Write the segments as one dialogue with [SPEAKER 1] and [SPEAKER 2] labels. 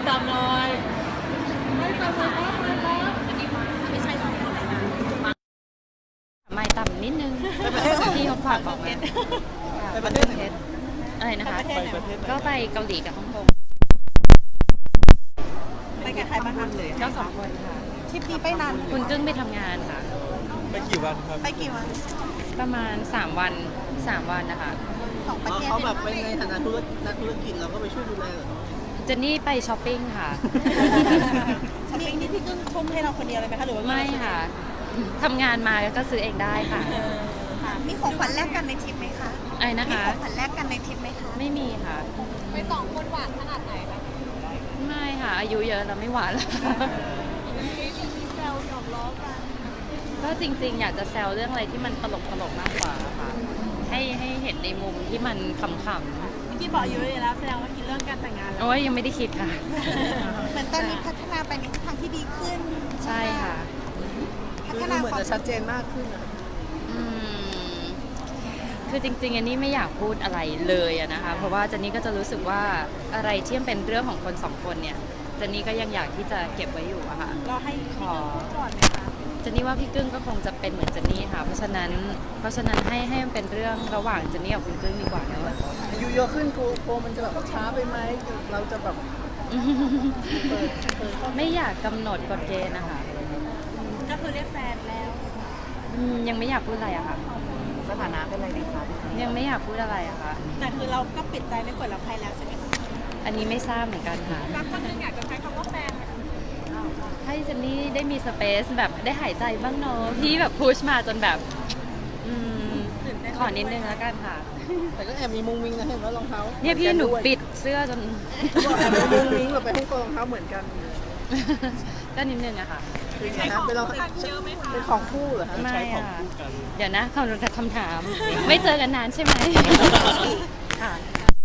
[SPEAKER 1] ตามน้อยไม่ตามน้อยไม่ใช่หรอก
[SPEAKER 2] ไม่ต่ำนิดนึงที่เขาฝากบอกมา
[SPEAKER 1] ไปประเทศไหน
[SPEAKER 2] อะไรนะคะก็ไปเกาหลีกับฮ่องกง
[SPEAKER 1] ไปกับใครมาทำเลย
[SPEAKER 2] ก็2 คนค่ะ
[SPEAKER 1] ทริปนี้ไปนาน
[SPEAKER 2] คุณกึ้งไปทำงานค่ะ
[SPEAKER 3] ไปกี่วันครับ
[SPEAKER 1] ไปกี่วัน
[SPEAKER 2] ประมาณ3 วันนะคะ
[SPEAKER 1] 2 ประเทศ
[SPEAKER 3] เขาแบบไปในฐานะนักธุรกิจเราก็ไปช่วยดูแลเหรอ
[SPEAKER 2] เจนนี่ไปช้อปปิ้งค่ะ
[SPEAKER 1] ช้อปปิ้งนี่พี่กึ้งทุ่มให้เราคนเดียวเลยไหมคะหรือว่า
[SPEAKER 2] ไม่ค่ะทำงานมาก็ซื้อเองได้ค่ะ
[SPEAKER 1] มีของขวัญแลกกันในทริปไหมคะ
[SPEAKER 2] อะไรนะคะ
[SPEAKER 1] มีของขวัญแลกกันในทริปไหมคะ
[SPEAKER 2] ไม่มีค่ะ
[SPEAKER 1] ไป2 คนหวานขนาดไหนคะ
[SPEAKER 2] ไม่ค่ะอายุเยอะแล้วไม่หวานแล้ว
[SPEAKER 1] มีแซวหยอกล้อกัน
[SPEAKER 2] ก็จริงๆอยากจะแซวเรื่องอะไรที่มันตลกมากกว่าค่ะให้เห็นในมุมที่มันขำ
[SPEAKER 1] ๆที่บอกอยู่เลยแล้วแสดงว่าคิดเรื่องการแต่งงานแล้ว
[SPEAKER 2] โอ้ยยังไม่ได้คิดค่ะ
[SPEAKER 1] เหมือนตอนนี้พัฒนาไปในทางที่ดีขึ้น
[SPEAKER 2] ใช่ค่ะ
[SPEAKER 1] พัฒนา
[SPEAKER 3] เหมือนจะชัดเจนมากขึ้นนะ
[SPEAKER 2] คือจริงๆอันนี้ไม่อยากพูดอะไรเลยนะคะเพราะว่าเจนนี่ก็จะรู้สึกว่าอะไรที่เป็นเรื่องของคน2 คนเนี่ยเจนนี่ก็ยังอยากที่จะเก็บไว้อยู่อะค่ะ
[SPEAKER 1] เราให้ขอก่อนไหมคะ
[SPEAKER 2] เจนนี่ว่าพี่กึ้งก็คงจะเป็นเหมือนเจนนี่ค่ะเพราะฉะนั้นให้มันเป็นเรื่องระหว่างเจนนี่กับคุณกึ้งดีกว่าเนอะ
[SPEAKER 3] อายุเยอะขึ้นโกมันจะแบบช้าไปไหมเราจะแบบ
[SPEAKER 2] ไม่อยากกำหนดกฎเกณฑ์นะคะ
[SPEAKER 1] ก็คือเรียกแฟนแล้ว
[SPEAKER 2] ยังไม่อยากพูดอะไรอะค่ะ
[SPEAKER 3] สถานะเป็นอะไรดีคะ
[SPEAKER 2] ยังไม่อยากพูดอะไรอะค่ะ
[SPEAKER 1] แต่คือเราก็ปิดใจไม่เปิดรับใครแล้วใช่ไหมคะ
[SPEAKER 2] อันนี้ไม่ทราบเหมือนกันค่ะ
[SPEAKER 1] สักคนนึงอยากจะใช้คำว่าแฟน
[SPEAKER 2] ให้เจนนี่ได้มีสเปซแบบได้หายใจบ้างเนาะพี่แบบพุชมาจนแบบขอนิดนึงแล้วกันค่ะ
[SPEAKER 3] แต่ก็แอบมีมุ้งมิ้งนะเห็นว่ารองเท้า
[SPEAKER 2] เนี่ยพี่หนูปิดเสื้อจน
[SPEAKER 3] แอบมีมุ้งมิ้งแบบไปฮ่องกงรองเท้าเหมือนกัน
[SPEAKER 2] ก็นิดนึงอะค่ะ
[SPEAKER 3] เป็นของคู่เหรอคะ
[SPEAKER 2] ไม่ค่ะเดี๋ยวนะคำถามไม่เจอกันนานใช่ไหมค่ะ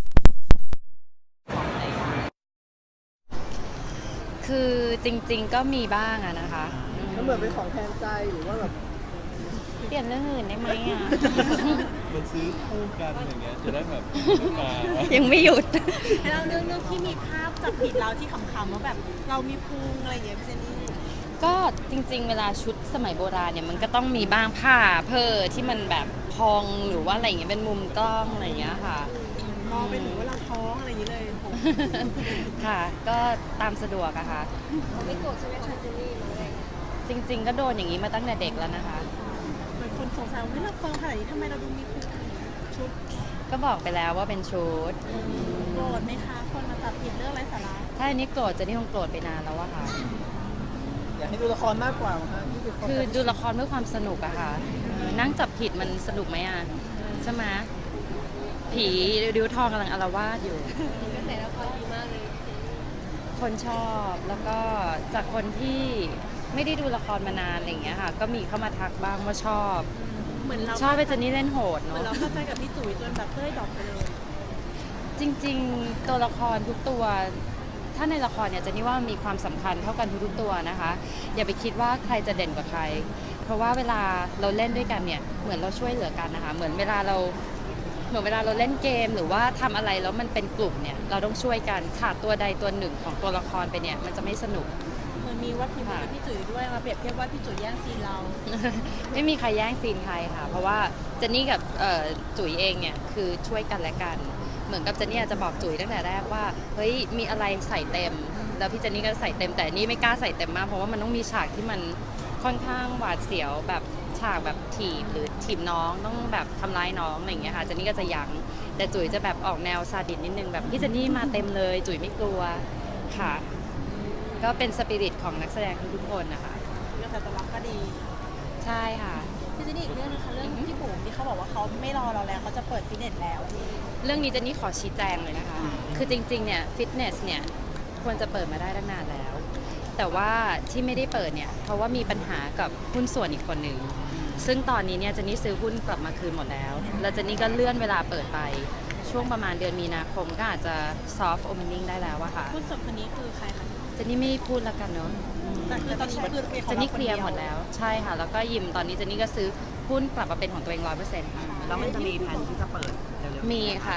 [SPEAKER 2] คือจริงๆก็มีบ้างอะนะคะ
[SPEAKER 3] มันเหมือนเป็นของแทนใจหรือว่าแบบ
[SPEAKER 2] เปลี่ยนเรื่องอื่นได้ไหมอะ
[SPEAKER 3] มันซื้อคู่กันอย่างเงี้ยจะได้แบบมา
[SPEAKER 2] ยังไม่หยุด
[SPEAKER 1] แล้วเรื่องที่มีภาพจับผิดเราที่ขำๆว่าแบบเรามีพุงอะไรอย่างเงี้ยพี่เจนนี่
[SPEAKER 2] ก็จริงๆเวลาชุดสมัยโบราณเนี่ยมันก็ต้องมีบ้างผ้าเพ้อที่มันแบบพองหรือว่าอะไรอย่างเงี้ยเป็นมุมกล้องอะไรอย่างเงี้ยค่ะ
[SPEAKER 1] มองไปถึงว่าเราท้องอะไรอย่างเงี้ยเลย
[SPEAKER 2] ค่ะก็ตามสะดวกอะค่ะ
[SPEAKER 1] ไม่โกรธใช่ไหมคะเจนนี่
[SPEAKER 2] จริงๆก็โดนอย่างนี้มาตั้งแต่เด็กแล้วนะคะ
[SPEAKER 1] เหมือนคนสงสัยว่าเราเฟิร์มขนาดนี้ทำไมเราดูมีพุงชุด
[SPEAKER 2] ก็บอกไปแล้วว่าเป็นชุด
[SPEAKER 1] โกรธไหมคะคนมาจับผิดเรื่องไร้สาระ
[SPEAKER 2] ถ้าอันนี้โกรธจะนี่คงโกรธไปนานแล้วอะค่ะ
[SPEAKER 3] อยากให้ดูละครมากกว่าค่ะ
[SPEAKER 2] คือดูละครเพื่อความสนุกอะค่ะนั่งจับผิดมันสนุกไหมอะใช่ไหมผีริ้วทองกำลังอาละวาดอยู่
[SPEAKER 1] กระแสละครดีมากเลย
[SPEAKER 2] คนชอบแล้วก็จากคนที่ไม่ได้ดูละครมานานอะไรอย่างเงี้ยค่ะก็มีเข้ามาทักบ้างว่าชอบ
[SPEAKER 1] เหมือนเรา
[SPEAKER 2] ชอบไปเจนนี่เล่นโหด
[SPEAKER 1] เนาะเหมือนเราเข้าใจกับพี่จุ๋ยจนแบบเต้ยดอกไปเลย
[SPEAKER 2] จริงๆตัวละครทุกตัวถ้าในละครเนี่ยเจนนี่ว่ามีความสำคัญเท่ากันทุกตัวนะคะอย่าไปคิดว่าใครจะเด่นกว่าใครเพราะว่าเวลาเราเล่นด้วยกันเนี่ยเหมือนเราช่วยเหลือกันนะคะเหมือนเวลาเราเล่นเกมหรือว่าทำอะไรแล้วมันเป็นกลุ่มเนี่ยเราต้องช่วยกันขาดตัวใดตัวหนึ่งของตัวละครไปเนี่ยมันจะไม่สนุก
[SPEAKER 1] เหมือนมีวัดพิมพ์กับพี่จุ๋ยด้วยมาเปรียบเทียบว่าพี่จุ๋ยแย่งซีนเรา
[SPEAKER 2] ไม่มีใครแย่งซีนใครค่ะเพราะว่าเจนนี่กับจุ๋ยเองเนี่ยคือช่วยกันและกันเหมือนกับเจนนี่จะบอกจุ๋ยตั้งแต่แรกว่าเฮ้ยมีอะไรใส่เต็มแล้วพี่เจนนี่ก็ใส่เต็มแต่นี่ไม่กล้าใส่เต็มมากเพราะว่ามันต้องมีฉากที่มันค่อนข้างหวาดเสียวแบบฉากแบบถีบหรือถีบน้องต้องแบบทำร้ายน้องอะไรอย่างเงี้ยค่ะเจนนี่ก็จะยั้งแต่จุ๋ยจะแบบออกแนวซาดิสนิดนึงแบบพี่เจนนี่มาเต็มเลยจุ๋ยไม่กลัวค่ะก็เป็นสปิริตของนักแสดงทุกคนนะคะ
[SPEAKER 1] กระแสตอบรับก็ดี
[SPEAKER 2] ใช่ค่ะ
[SPEAKER 1] พี่เจนนี่อีกเรื่องนึงค่ะเรื่องพี่บุ๋มที่เขาบอกว่าเขาไม่รอเราแล้วเขาจะเปิดฟิตเนสแล้ว
[SPEAKER 2] เรื่องนี้เจนนี่ขอชี้แจงเลยนะคะคือจริงๆเนี่ยฟิตเนสเนี่ยควรจะเปิดมาได้ตั้งนานแล้วแต่ว่าที่ไม่ได้เปิดเนี่ยเพราะว่ามีปัญหากับหุ้นส่วนอีกคนหนึ่งซึ่งตอนนี้เนี่ยเจนนี่ซื้อหุ้นกลับมาคืนหมดแล้วแล้วเจนนี่ก็เลื่อนเวลาเปิดไปช่วงประมาณเดือนมีนาคมก็อาจจะ soft opening ได้แล้วอะค่ะ
[SPEAKER 1] หุ้นส่วนคนนี้คือใครคะ
[SPEAKER 2] เจนนี่ไม่พูดแล้วกันเนาะ
[SPEAKER 1] แต่คือตอนนี้คือ
[SPEAKER 2] เจนนี่เคลียร์หมดแล้วใช่ค่ะแล้วก็ยิมตอนนี้เจนนี่ก็ซื้อหุ้นกลับมาเป็นของตัวเอง 100%ค่ะ
[SPEAKER 3] แล้วมันจะมีแผนที่จะเปิด
[SPEAKER 2] มีค่ะ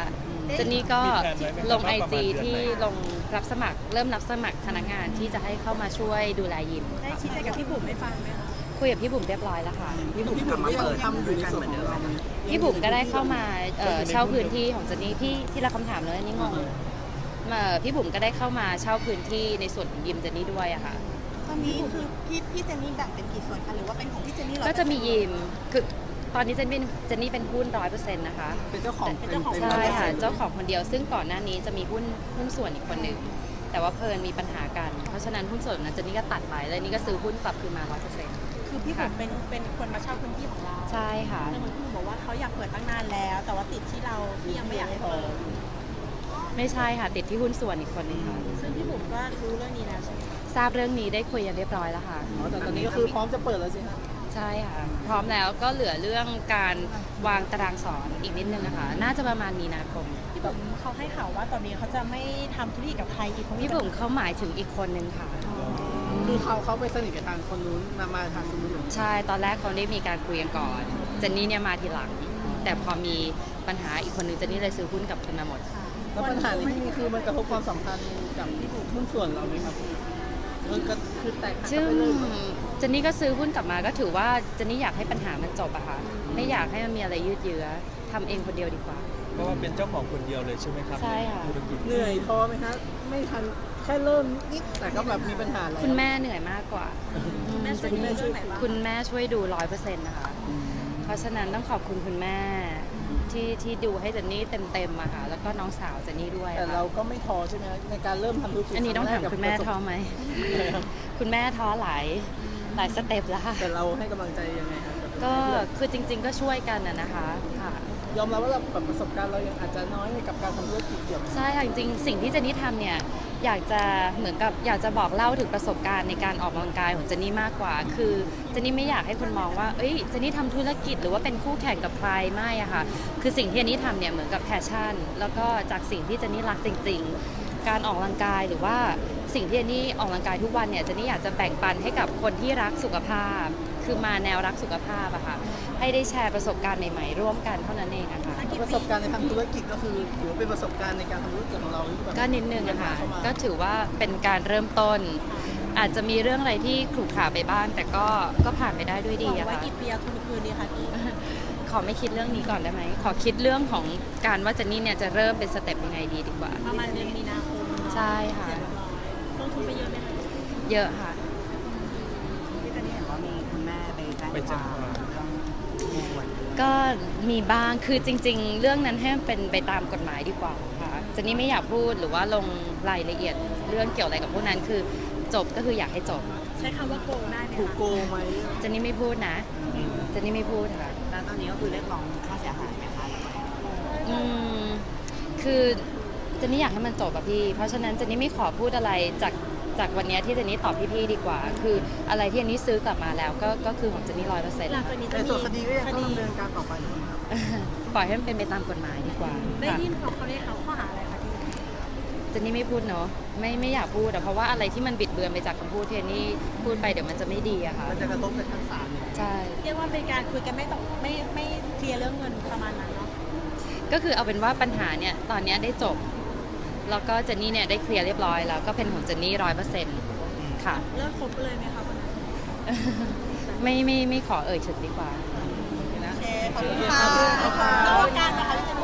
[SPEAKER 2] เจนนี่ก็
[SPEAKER 3] มีแผนไว้ไหมครับ
[SPEAKER 2] ลง
[SPEAKER 3] ว่า
[SPEAKER 2] ไอ
[SPEAKER 3] ประมาณ
[SPEAKER 2] จี
[SPEAKER 3] เดือนไหน
[SPEAKER 2] ที่ลงรับสมัครเริ่มรับสมัครพนักงานที่จะให้เข้ามาช่วยดูแลยิม
[SPEAKER 1] ได้ชี้แจงกับพี่บุ๋มไม่ฟังไหมคะ
[SPEAKER 2] คุยกับพี่บุ๋มเรียบร้อยแล้วค่ะ
[SPEAKER 4] พี่บุ๋มก็ยังทำอยู่ในส่วนของเรา
[SPEAKER 2] พี่บุ๋มก็ได้เข้ามาเช่าพื้นที่ของเจนนี่พี่ที่ละคำถามเลยอันนี่งงพี่บุ๋มก็ได้เข้ามาเช่าพื้นที่ในส่วนของยิมเจนนี่ด้วยอะค่ะ
[SPEAKER 1] ตอนนี้คือพี่เจนนี่แบ่งเป็นกี่ส่วนคะหรือว่าเป็นของพี่เจนนี่100%
[SPEAKER 2] ก็จะมียิมคือตอนนี้เจนนี่เป็นหุ้น100%นะคะ
[SPEAKER 4] เป็นเจ้าของ
[SPEAKER 1] เป็นเจ้าของ
[SPEAKER 2] ใช่ค่ะเจ้าของคนเดียวซึ่งก่อนหน้านี้จะมีหุ้นส่วนอีกคนหนึ่งแต่ว่าเพลินมีปัญหากัน เพราะฉะนั้นหุ้นส่วนนั้นเจนนี่ก็ตัดไปแล้วนี่ก็ซื้อหุ้นกลับคืนมา100%
[SPEAKER 1] คือพี่บุ๋มเป็นคนมาเช่าพื้นที่ของเรา
[SPEAKER 2] ใช่ค่ะ
[SPEAKER 1] แต่เหมือนพี่บุ๋มบอกว่าเขาอยากเปิดตั้งนานแล้ว แต่ว่าติดที่เราที่ยังไม่อยากให้เปิด
[SPEAKER 2] ไม่ใช่ค่ะติดที่หุ้นส่วนอีกคนหนึงค่ะ
[SPEAKER 1] ซึ่งพี่บุ๋มก็รู้เรื่องนี้แล้วใช่ไหม
[SPEAKER 2] ทราบเรื่องนี้ได้คุยกันเรียบร้อยแล้วค่ะ
[SPEAKER 4] อ๋อแต่ตอนนี้ก็คือพร้อมจะเปิดแล้วสิครับ
[SPEAKER 2] ใช่ค่ะ พร้อมแล้วก็เหลือเรื่องการวางตารางสอนอีกนิดนึงนะคะน่าจะประมาณมีนาคม
[SPEAKER 1] พี่บุ๋มเขาให้ข่าวว่าตอนนี้เขาจะไม่ทำธุรกิจกับใครอีกเพราะ
[SPEAKER 2] พี่บุ๋มเขาหมายถึงอีกคนนึงค่ะ
[SPEAKER 4] คือเขาไปสนิทกับทางคนนู้นมาทางคนนู้นเหรอ
[SPEAKER 2] ใช่ตอนแรกเขาได้มีการคุยกันก่อนเจนนี่เนี่ยมาทีหลัง แต่พอมีปัญหาอีกคนนึงเจนนี่เลยซื้อหุ้นกลับคืนมาหมด
[SPEAKER 4] แล้วปัญหานี้ที่มีคือมันกระทบความสัมพันธ์กับหุ้นส่วนเราไหมครับมันก็คือแตกหัก
[SPEAKER 2] ซึ่ง
[SPEAKER 4] ไปเลย
[SPEAKER 2] เจนนี่ก็ซื้อหุ้นกลับมาก็ถือว่าเจนนี่อยากให้ปัญหามันจบอะค่ะไม่อยากให้มันมีอะไรยืดเยื้อทำเองคนเดียวดีกว่า
[SPEAKER 3] เพราะว่าเป็นเจ้าของคนเดียวเลยใช่ไหมครับ
[SPEAKER 2] ใช่ค่ะ
[SPEAKER 3] ธุรกิจ
[SPEAKER 4] เหนื่อยพอไหมฮะไม่ทันแค่เริ่มนิดแต่ก็แบบมีปัญหาแล้ว
[SPEAKER 2] คุณแม่เหนื่อยมากกว่า
[SPEAKER 1] แม่ช่วยดูเรื่องไหนบ้าง
[SPEAKER 2] คุณแม่ช่วยดู100%นะคะ เพราะฉะนั้นต้องขอบคุณคุณแม่ที่ดูให้เจนนี่เต็มๆอะค่ะแล้วก็น้องสาวเจนนี่ด้วย
[SPEAKER 4] แต่
[SPEAKER 2] ค่ะ
[SPEAKER 4] เราก็ไม่ท้อใช่ไหมในการเริ่มทำธุรกิจ
[SPEAKER 2] อันนี้ต้องถามคุณแม่ท้อไหม
[SPEAKER 4] ครับ
[SPEAKER 2] คุณแม่ท้อหลายสเต็ปแล้วค่ะ
[SPEAKER 4] แต่เราให้กำลังใจยังไงครับ
[SPEAKER 2] ก็คือจริง ๆ ก็ช่วยกันนะคะค่ะ
[SPEAKER 4] ยอมรับว่าเราแบบประสบการณ์เรายังอาจจะน้อยกับการทำธุรกิจเกี่ยวกับ
[SPEAKER 2] ใช่ค่ะจริงๆสิ่งที่เจนนี่ทำเนี่ยอยากจะเหมือนกับอยากจะบอกเล่าถึงประสบการณ์ในการออกกำลังกายของเจนนี่มากกว่า คือเจนนี่ไม่อยากให้คนมองว่าเอ้ยเจนนี่ทำธุรกิจหรือว่าเป็นคู่แข่งกับใครไม่อะค่ะคือสิ่งที่เจนนี่ทำเนี่ยเหมือนกับแพชชั่น แล้วก็จากสิ่งที่เจนนี่รักจริง ๆ การออกกำลังกายหรือว่าสิ่งที่เจนนี่ออกกำลังกายทุกวันเนี่ยเจนนี่อยากจะแบ่งปันให้กับคนที่รักสุขภาพ คือมาแนวรักสุขภาพอะค่ะให้ได้แชร์ประสบการณ์ใหม่ๆร่วมกันเท่านั้นเองอะค่ะ
[SPEAKER 4] ประสบการณ์ในทางธุรกิจก็คือถือว่าเป็นประสบการณ์ในการทำธุรกิจของเราที่แบบ
[SPEAKER 2] ก็นิดนึงอะค่ะ
[SPEAKER 4] เข้ามา
[SPEAKER 2] ก็ถือว่าเป็นการเริ่มต้น อาจจะมีเรื่องอะไรที่ขรุขระไปบ้างแต่ก็ผ่านไปได้ด้วยดี
[SPEAKER 1] บอก
[SPEAKER 2] อะ
[SPEAKER 1] ไว้
[SPEAKER 2] ค่ะ
[SPEAKER 1] กี่ปีทุนคืนดีคะพี่
[SPEAKER 2] ขอไม่คิดเรื่องนี้ก่อนได้ไหมขอคิดเรื่องของการว่าเจนนี่เนี่ยจะเริ่มเป็นสเต็ปยังไงดีกว่า
[SPEAKER 1] ประมาณเดือนมีนาคม
[SPEAKER 2] ใช่ค่ะ
[SPEAKER 1] เสร็จเรียบร้อยลงทุนไปเยอะไหมคะ
[SPEAKER 2] เยอะค่ะ
[SPEAKER 5] พี่เจนนี่เห็นว่ามีคุณแม่ไปแจ้ง
[SPEAKER 3] ไป
[SPEAKER 5] ค
[SPEAKER 3] แจ้
[SPEAKER 5] วาง ม
[SPEAKER 3] ความ
[SPEAKER 5] เรื่องมีส่วน
[SPEAKER 2] ก็มีบ้างคือจริง ๆ เรื่องนั้นให้มันเป็นไปตามกฎหมายดีกว่าค่ะเจนนี่ไม่อยากพูดหรือว่าลงรายละเอียดเรื่องเกี่ยวอะไรกับพวกนั้นคือจบก็คืออยากให้จบ
[SPEAKER 1] ใช้คำว่าโกงได้ไหม
[SPEAKER 4] ถูก
[SPEAKER 1] คะ
[SPEAKER 4] โกงไหม
[SPEAKER 2] เจนนี่ไม่พูดนะเจนนี่ไม่พูดค่ะ
[SPEAKER 5] แล้วตอนนี้ก็คือเรียกร้องค่าเสียหายไหมคะ
[SPEAKER 2] อืมคือเจนนี่อยากให้มันจบอะพี่ เพราะฉะนั้นเจนนี่ไม่ขอพูดอะไรจากวันเนี้ยที่เจนนี่ตอบพี่ๆดีกว่า คืออะไรที่เจนนี่ซื้อกลับมาแล้วก็คือของเจนนี่100%
[SPEAKER 1] หลังจากนี้จะ
[SPEAKER 4] แต่
[SPEAKER 1] มี
[SPEAKER 4] ส่วนคดีก็ยัง
[SPEAKER 1] ค
[SPEAKER 4] ต้อง
[SPEAKER 1] ดี
[SPEAKER 4] ดำเนินการต่อไปอยู่ครับ
[SPEAKER 2] ปล่อยให้มันเป็นไปตามกฎหมายดีกว่า
[SPEAKER 1] ได้
[SPEAKER 2] ค่ะ
[SPEAKER 1] ยินเขาเรียกเขาข้อหาอะไรคะพี่
[SPEAKER 2] เจนนี่ไม่พูดเนาะไม่อยากพูดอะเพราะว่าอะไรที่มันบิดเบือนไปจากคำพูดที่เจนนี่พูดไปเดี๋ยวมันจะไม่ดีอะค่ะ
[SPEAKER 4] มันจะกระทบกับทางศาลเนี่ย
[SPEAKER 2] ใช่
[SPEAKER 1] เรียกว่าเป็นการคุยกันไม่เคลียร์เรื่องเงินประมาณนั้นเนาะ
[SPEAKER 2] ก็คือเอาเป็นว่าปัญหาเนี่ยตอนเนี้ยได้จบ แล้วก็เจนนี่เนี่ยได้เคลียร์เรียบร้อยแล้วก็เป็นของเจนนี่100%ค่ะ
[SPEAKER 1] เลิกคบเลยไหมคะวันนั้น
[SPEAKER 2] ไม่ขอเอ่ยถึงดีกว่า
[SPEAKER 1] โอเคขอบคุณค่ะ
[SPEAKER 4] ขอบคุณค่ะ
[SPEAKER 1] แล้วการนะคะที่จะ